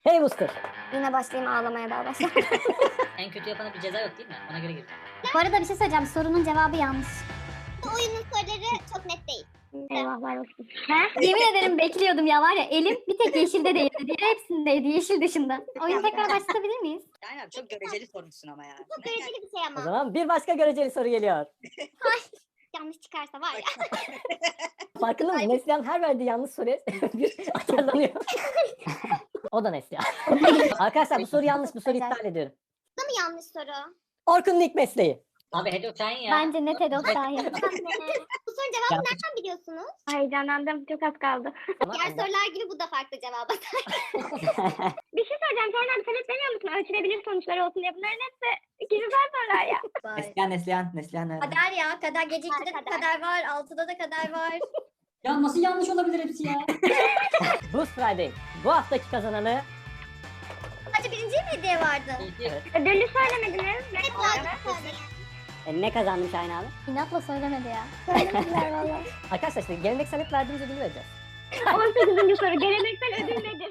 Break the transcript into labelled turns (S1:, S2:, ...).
S1: Hey Booster.
S2: Yine başlayayım ağlamaya daha başlar.
S3: En kötü yapana bir ceza yok değil mi? Ona göre gir.
S4: Bu arada bir şey söyleyeceğim. Sorunun cevabı yanlış.
S5: Bu oyunun soruları çok net değil.
S2: Eyvahlar olsun.
S4: Yemin ederim bekliyordum ya var ya. Elim bir tek yeşilde değildi. Diğer hepsindeydi. Yeşil dışında. Oyunu tekrar başlatabilir miyiz?
S3: Aynen çok göreceli sormuşsun ama ya.
S5: Çok göreceli bir şey
S1: O
S5: ama.
S1: zaman bir başka göreceli soru geliyor.
S5: Yanlış çıkarsa var ya.
S1: Farkında mısın? Neslihan her verdiği yanlış soruya bir atarlanıyor. O da Neslihan. Arkadaşlar bu soru yanlış. Bu soruyu iptal ediyorum.
S5: Bu da mı yanlış soru?
S1: Orkun'un ilk mesleği.
S3: Abi Hedo sen ya.
S4: Bence net Edot Şahin.
S5: Bu sorunun cevabını nereden biliyorsunuz?
S2: Heyecanlandım. Çok az kaldı.
S1: Ama
S5: Diğer sorular gibi bu da farklı cevaba.
S2: Bir şey söyleyeceğim. Sonra sen hep demiyor musun? Ölçülebilir sonuçlar olsun diye. Bunların hepsi güzel sorular ya.
S6: Neslihan nerede?
S4: Kader ya. Kader gece 2'de
S5: Kader.
S4: de kader var. 6'da da kader var.
S3: Ya nasıl yanlış olabilir hepsi ya?
S1: Boost Friday. Bu haftaki kazananı
S4: Sadece birinciye mi hediye vardı?
S1: evet.
S2: Ödülü söylemediniz. Ne
S5: Hep
S2: kadar?
S5: aynı söyleyin.
S1: Ne kazandım Şahin abi?
S4: İnatla söylemedi ya.
S2: Söylemediler valla.
S1: Arkadaşlar işte geleneksel hep verdiğimiz ödülü vereceğiz.
S2: 18. soru. Geleneksel ödül nedir?